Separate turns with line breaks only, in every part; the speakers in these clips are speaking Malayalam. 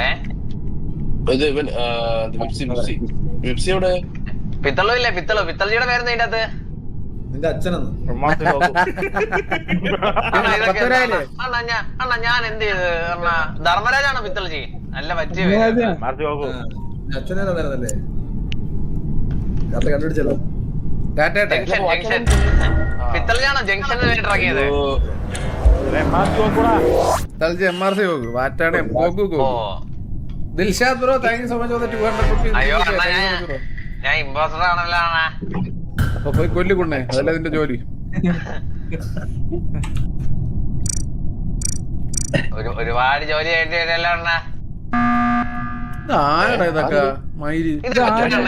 പിത്തളില്ലേ പിത്തളിയുടെ പേര് അതിന്റെ അകത്ത്
നിന്റെ അച്ഛനെന്ന്
അണ്ണാ ഞാൻ എന്ത് ചെയ്ത് ധർമ്മരാജാണോ പിത്തളജി? നല്ല പറ്റിയ
അച്ഛനല്ലേ കണ്ടുപിടിച്ചല്ലോ.
പിത്തളജാണോ ജംഗ്ഷനിൽ വേണ്ടി ഇറങ്ങിയത്?
Dilshad bro thank you so much for 200 rupees.
അയ്യോ അണ്ണാ ഞാൻ ഇമ്പോസ്റ്റർ ആണല്ലോ അണ്ണാ.
അപ്പൊ പോയി കൊല്ലിക്കൊണ്ടേ, അതല്ല ഇതിന്റെ ജോലി.
ഒരുപാട് ജോലി ചെയ്യേണ്ടി വരുമല്ലോ അണ്ണാ.
ആരടാ ഇതൊക്കെ മയില്?
ഇതൊക്കെ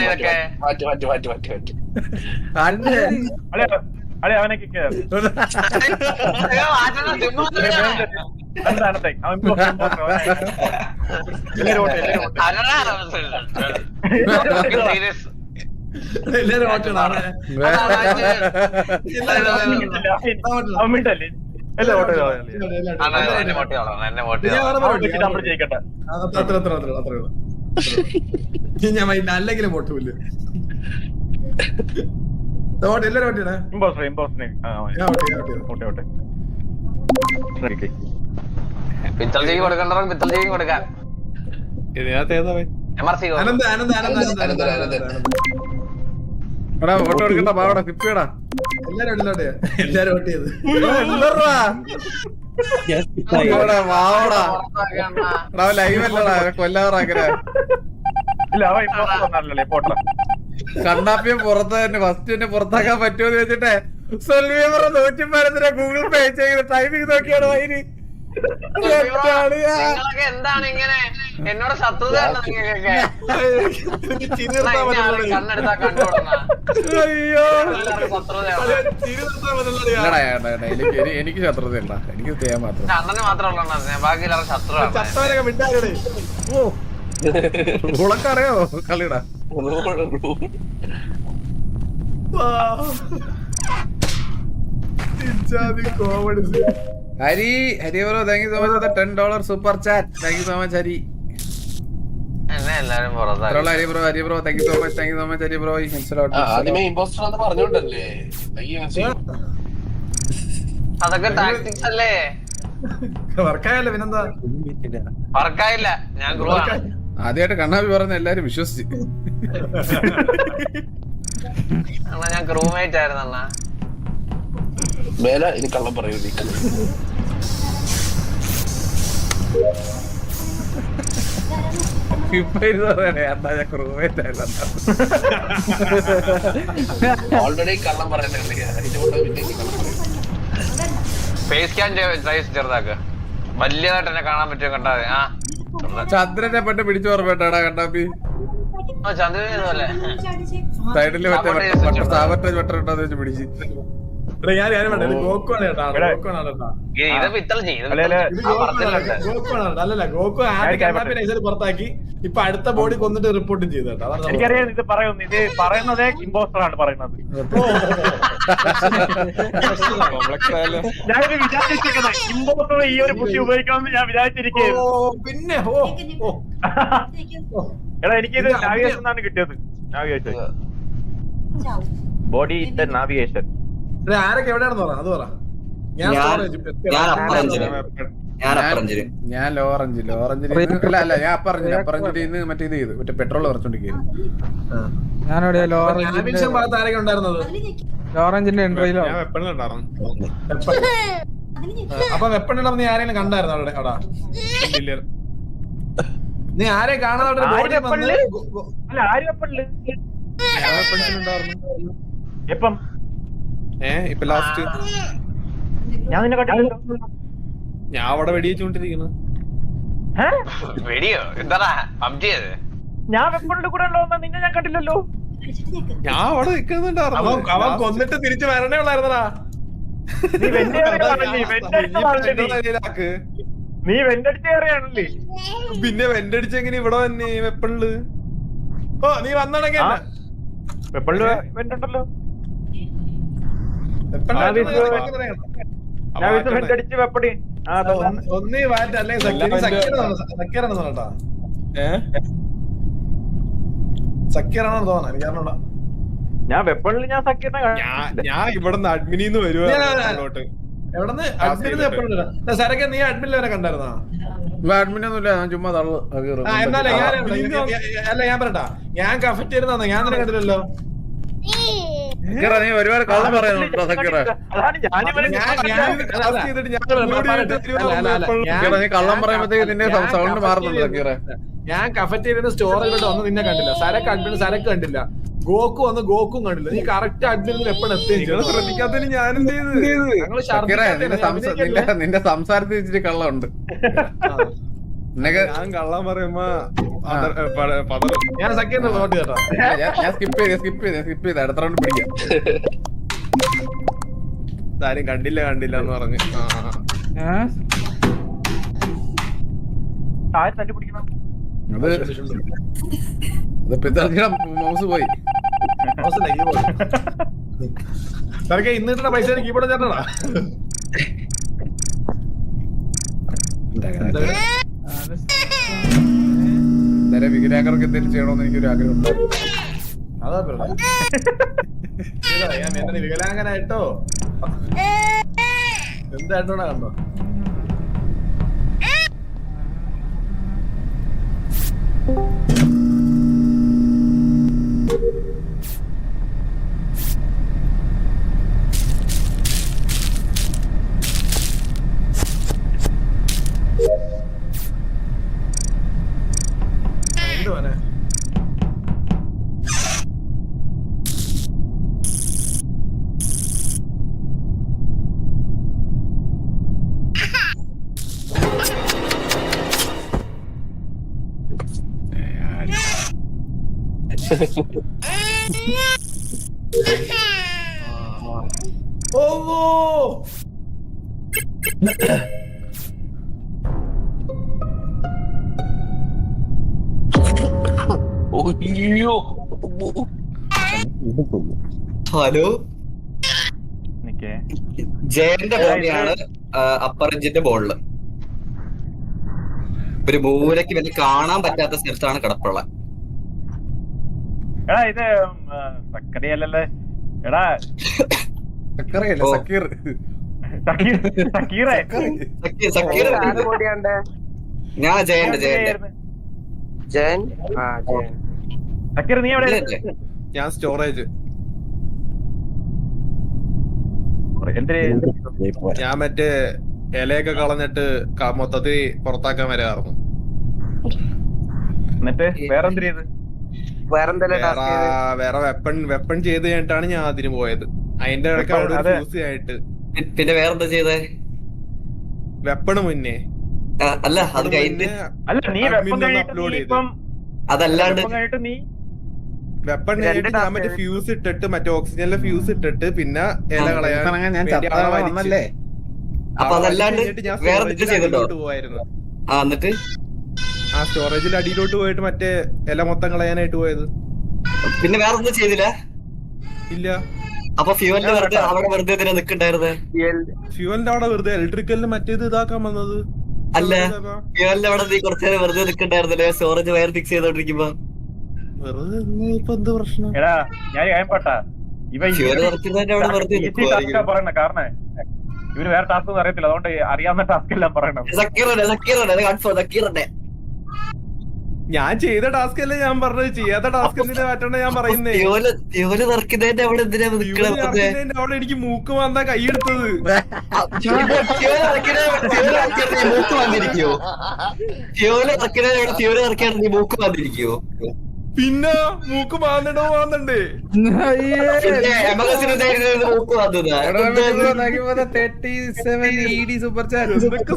എല്ലാരും ഓട്ടമാണ്. ഞാൻ അല്ലെങ്കിലും വോട്ടുമില്ല. എല്ലാരും ഓട്ടിയാണ്.
പിത്തൾജിക്ക് കൊടുക്കണ്ട, പിത്തൾജിക്ക് കൊടുക്കാം.
ആനന്ദ് ആനന്ദ് ആനന്ദ്
ഫോട്ടോ എടുക്കണ്ട പാവടാ കിപ്പിയടാ.
എല്ലാരും വോട്ട് ചെയ്ത്
ലൈവല്ലടാ കൊല്ലാറാക്കരാ. കണ്ണാപ്പിയെ പുറത്ത് തന്നെ ഫസ്റ്റ് തന്നെ പുറത്താക്കാൻ പറ്റുമെന്ന് വെച്ചിട്ടേ സൊൽവിയർ 110 ഗൂഗിൾ പേ ചെയ്ത് ടൈമിങ് നോക്കിയാണ് വൈരി.
എന്താണ് ഇങ്ങനെ എന്നോട് ശത്രുത?
എനിക്ക് ശത്രുത ഉണ്ട, എനിക്ക് ചെയ്യാൻ മാത്രം.
അണ്ണന് മാത്രമല്ല ബാക്കിയുള്ള ശത്രുവാണ്.
അറിയാമോ കളിടാ? Hari Hari bro thank you so much for $10 super chat. Thank you so much Hari.
എല്ലാരും
Hari bro Hari bro thank you so much Hari bro.
അതൊക്കെ ടാക്ടിക്സ് അല്ലേ?
വർക്കായല്ലോ പിന്നെന്താ?
വർക്കായില്ല, ഞാൻ ഗ്രൂ ആണ്.
ആദ്യമായിട്ട് കണ്ണാപ്പി പറഞ്ഞ എല്ലാരും വിശ്വസിച്ച്.
അണ്ണാ ഞാൻ ക്രൂമേറ്റ് ആയിരുന്നു അണ്ണാ.
മേല ഇനി കള്ളം പറയൂ. ഓൾറെഡി കള്ളം
ഫേസ് സ്കാൻ ചെറുതാക്ക്. വലിയതായിട്ട് എന്നെ കാണാൻ പറ്റുമോ? കണ്ടാ
ചന്ദ്രനെ പെട്ട് പിടിച്ചു ഓർമ്മട്ടാടാ കണ്ണാപ്പി.
ചന്ദ്രനെ
സൈഡില് മറ്റേ സാവറ്റേജ് വെട്ടറിട്ടോന്ന് വെച്ച് പിടിച്ച്.
പുറത്താക്കി ഇപ്പൊ അടുത്ത ബോഡി കൊന്നിട്ട് റിപ്പോർട്ടും ചെയ്തു.
എനിക്കറിയാം ഇത് പറയുന്നു. ഇത് പറയുന്നത് ഇമ്പോസ്റ്റർ ആണ് പറയുന്നത്. ഞാനിത് വിചാരിച്ചിരിക്കുന്നത് ഇമ്പോസ്റ്റർ ഈ ഒരു ബുദ്ധി ഉപയോഗിക്കണമെന്ന് ഞാൻ വിചാരിച്ചിരിക്കുന്നു.
പിന്നെ
എടാ എനിക്കിത് നാവിഗേഷൻ എന്നാണ് കിട്ടിയത്. Navigation body navigation.
ആരൊക്കെ എവിടെയാണെന്ന് പറ, അത് പറ.
ഞാൻ ലോറഞ്ചിൽ അല്ല ഞാൻ അപ്പറഞ്ചിൽ മറ്റേ ഇത് ചെയ്തു, മറ്റേ പെട്രോൾ കുറച്ചോണ്ടിരിക്കുന്നു.
ഭാഗത്ത് ആരൊക്കെ ഉണ്ടായിരുന്നത്?
ലോറഞ്ചിന്റെ എൻട്രിയിലോ
അപ്പൊ വെപ്പണിടം നീ ആരെങ്കിലും കണ്ടായിരുന്നു അവിടെ? അവിടെ നീ ആരെ കാണാതെ
എപ്പം?
ഇപ്പൊ ലാസ്റ്റ്
ഞാൻ നിന്നെ കണ്ടില്ലല്ലോ.
ഞാൻ അവിടെ വെടിവെച്ചോണ്ടിരിക്കുന്നു.
വെടിയോ? എന്താ പബ്ജിയത്?
ഞാൻ വെപ്പണിന്റെ കൂടെ ഉണ്ടോ? നിന്നെ ഞാൻ കണ്ടില്ലല്ലോ.
ഞാൻ അവിടെ നിൽക്കുന്നുണ്ടായിരുന്നു.
അവൻ കൊന്നിട്ട് തിരിച്ചു വരണേ ഉള്ളായിരുന്നടാ.
നീ വെന്റടിച്ച് കയറിയാണല്ലേ?
പിന്നെ വെന്റടിച്ച് എങ്ങനെ ഇവിടെ വന്നേ വെപ്പണില്?
ഓ നീ വന്നടങ്ങ
വെപ്പണില് വെന്റുണ്ടല്ലോ.
ഒന്നീ വാറ്റ് അല്ലെങ്കിൽ സക്കീറാണെന്ന് കേട്ടാ. സക്കീറാണെന്ന് തോന്നുന്നു എനിക്ക് അറിഞ്ഞൂടാ.
ഞാൻ വെപ്പണിൽ ഞാൻ സക്കീറിനെ
ഞാൻ ഇവിടുന്ന് അഡ്മിനിന്ന് വരുവാ
എവിടെന്ന് അഡ്മിന് എപ്പോഴും സരക്കെ നീ അഡ്മിനിൽ വരെ കണ്ടായിരുന്നാ?
അഡ്മിനൊന്നുമില്ല, ഞാൻ ചുമ്മാ തള്ളു.
എന്നാലേ അല്ല ഞാൻ പറയട്ടാ, ഞാൻ കഫറ്റേരുന്ന ഞാൻ നിന്നെ കണ്ടില്ലല്ലോ.
നീ ഒരുപാട് കള്ളം പറയുന്നുണ്ടോ സക്കീറ?
അതാണ് ഞാനിവരെ
നീ കള്ളം പറയുമ്പോഴത്തേക്ക് നിന്റെ സൗണ്ട് മാറുന്നുണ്ട് സക്കീറ.
ഞാൻ കഫറ്റേരിയ സ്റ്റോറേജിലോട്ട് വന്ന് നിന്നെ കണ്ടില്ല. സരക്ക് അഡ്മിന് സരക്ക് കണ്ടില്ല. ഗോക്കു വന്ന് ഗോക്കും കണ്ടില്ല. നീ കറക്റ്റ് അഡ്മിനിൽ എപ്പോഴും എത്തുകയും
ശ്രദ്ധിക്കാത്തതിന് ഞാനും നിന്റെ സംസാരത്തിൽ ഇച്ചിരി കള്ളമുണ്ട്. ഞാൻ കള്ളം പറയുമ്പോ
ഞാൻ സക്കീറിന്റെ നോട്ട് കേട്ടോ.
ഞാൻ സ്കിപ്പ് ചെയ്ത് അടുത്ത റൗണ്ട് പിടിക്കാം. ആരും കണ്ടില്ല എന്ന് പറഞ്ഞു.
തല്ലി പിടിക്കണം.
മൗസ് പോയി.
സരക്കെ ഇന്നിട്ടുള്ള പൈസ കീബോർഡ് ചേട്ടനാ.
വികലാംഗർക്ക് എന്തെങ്കിലും ചെയ്യണമെന്ന് എനിക്കൊരു ആഗ്രഹം ഉണ്ടായിരുന്നു.
അതാ ഞാൻ എന്നെ വികലാംഗനായിട്ടോ എന്തായിട്ടോടാ കണ്ടോ? എന്തുവാനെ ഓ
ഹലോ, ജയന്റെ ബോളിയാണ് അപ്പർ എഞ്ചിന്റെ ബോളില്. ഒരു മൂലയ്ക്ക് വലിയ കാണാൻ പറ്റാത്ത സ്ഥലത്താണ് കിടപ്പുള്ള.
എടാ ഇത് സക്കറിയല്ലേ? എടാ
സക്കീർ
സക്കീറേ
സക്കീർ ഞാൻ ജയന്റെ
സക്കീർ നീ എവിടെ?
ഞാൻ സ്റ്റോറേജ്. ഞാൻ മറ്റേ ഇലയൊക്കെ കളഞ്ഞിട്ട് മൊത്തത്തിൽ പുറത്താക്കാൻ വരാറുന്നു.
എന്നിട്ട് വേറെന്ത് ചെയ്ത്?
വേറെ വെപ്പൺ ചെയ്ത് കഴിഞ്ഞിട്ടാണ് ഞാൻ അതിന് പോയത്. അതിന്റെ ഇടയ്ക്ക് അവിടെ ഫ്യൂസ് ആയിട്ട്.
പിന്നെ വേറെന്താ ചെയ്തേ?
വെപ്പണ് മുന്നേ
അല്ല അത് കഴിഞ്ഞ്
അല്ല നീ
അപ്ലോഡ് ചെയ്ത്.
അതല്ലാണ്ട്
നീ
വെപ്പൺ കഴിഞ്ഞിട്ട് ഞാൻ മറ്റേ ഫ്യൂസ് ഇട്ടിട്ട് മറ്റേ ഓക്സിജനിലെ ഫ്യൂസ് ഇട്ടിട്ട് പിന്നെ ഇല കളയാൻ
അപ്പൊ അതല്ലാണ്ട് വേറെ ചെയ്തിട്ടോ?
പോയായിരുന്നു.
എന്നിട്ട്
ആ സ്റ്റോറേജിൽ അടിയിലോട്ട് പോയിട്ട് മറ്റേ ഇല മൊത്തം കളയാനായിട്ട് പോയത്.
പിന്നെ വേറെ ഒന്നും ചെയ്തില്ല?
ഇല്ല.
അപ്പൊ ഫ്യൂവലിന്റെ വെറുതെ അവിടെ വെറുതെ നിൽക്കണ്ടായിരുന്നേ?
ഫ്യൂവലിന്റെ അവിടെ വെറുതെ ഇലക്ട്രിക്കലിന് മറ്റേത് ഇതാക്കാൻ വന്നത്
അല്ല. ഫ്യൂവലിന്റെ അവിടെ നീ കുറച്ചേരം വെറുതെ നിൽക്കണ്ടായിരുന്നല്ലേ സ്റ്റോറേജ് വയർ ഫിക്സ് ചെയ്തോണ്ടിരിക്കുമ്പോ?
വെറുതെ ഇപ്പൊ എന്ത് പ്രശ്നം?
എടാ ഞാൻ കേൾപ്പട്ടാ പറയണ കാരണം ഇവര് വേറെ ടാസ്ക് ഒന്നും അറിയത്തില്ല, അതുകൊണ്ട് അറിയാവുന്ന ടാസ്ക് എല്ലാം പറയണം.
ഞാൻ ചെയ്ത ടാസ്ക് അല്ലേ ഞാൻ പറഞ്ഞത്, ചെയ്യാത്ത ടാസ്ക് എന്തിനാ മാറ്റണ്ട ഞാൻ പറയുന്നേ. അവിടെ എനിക്ക് മൂക്ക് വന്നാ കൈയെടുത്തത്. പിന്നെ മൂക്ക് മാന്തണ്ടേ? എന്തൊക്കെ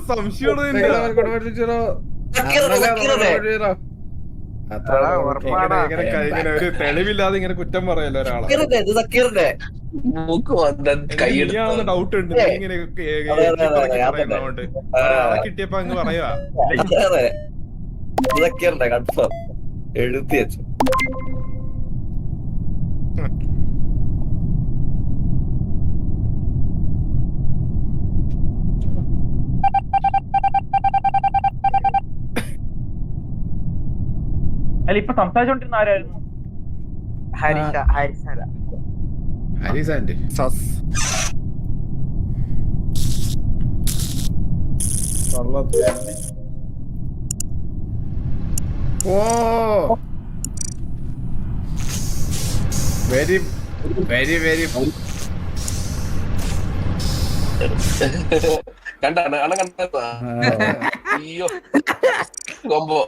സംശയമാണ്. ഒരു തെളിവില്ലാതെ ഇങ്ങനെ കുറ്റം പറയല്ലോ ഒരാളെ. ഡൗട്ട് ഉണ്ട് ഇങ്ങനെ പറയുന്നതുകൊണ്ട്. ഒരാളെ കിട്ടിയപ്പോ അങ്ങ് പറയുവാ.
എഴുത്തി വെച്ചു.
അല്ല ഇപ്പൊ സംസാരിച്ചോണ്ടിരുന്ന ആരായിരുന്നു?
ഹരിസാന്റെ ഓ വെരി വെരി വെരി
കണ്ടാണ് അണ കണ്ടാ അയ്യോ കൊമ്പോ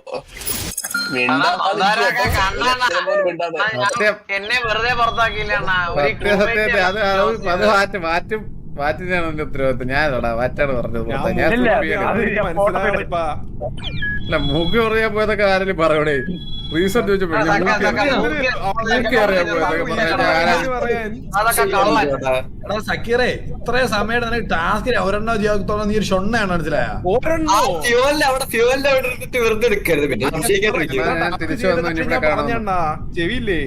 എന്നെ വെറുതെ പുറത്താക്കിയില്ല അണ്ണാ. ഒരു
സത്യസത്യത്തെ അത് മാറ്റിനാണ് എന്റെ ഉത്തരവാദിത്വം. ഞാനടാ മാറ്റാണ് പറഞ്ഞത് പുറത്താ. ഞാൻ
ഇല്ല,
സുൽഫിയാണ്.
അത് ഞാൻ photo എടുത്തു.
അല്ല മൂക്ക് പറയാൻ പോയതൊക്കെ ആരെങ്കിലും പറയണേ. റീസൺ ചോദിച്ചപ്പോ മൂക്ക് അറിയാൻ പോയതൊക്കെ പറയാൻ
അതൊക്കെ കള്ളൻ.
എടാ സക്കീറേ, ഇത്രയും സമയം നിനക്ക് ടാസ്കിൽ ഒരെണ്ണോ ജീവിതത്തോളം നീ ഒരു ഷൊണ്ണയാണ്, മനസ്സിലായ?
ഫ്യൂവലിന്റെ അവിടെ ഇരുന്നിട്ട് വെറുതെ എടുക്കരുത്. പിന്നെ സംശയിക്കാണ്ടിരിക്കുക.
തിരിച്ചു വന്നു ഇവിടെ കാണാം.
ചെവിയില്ലേ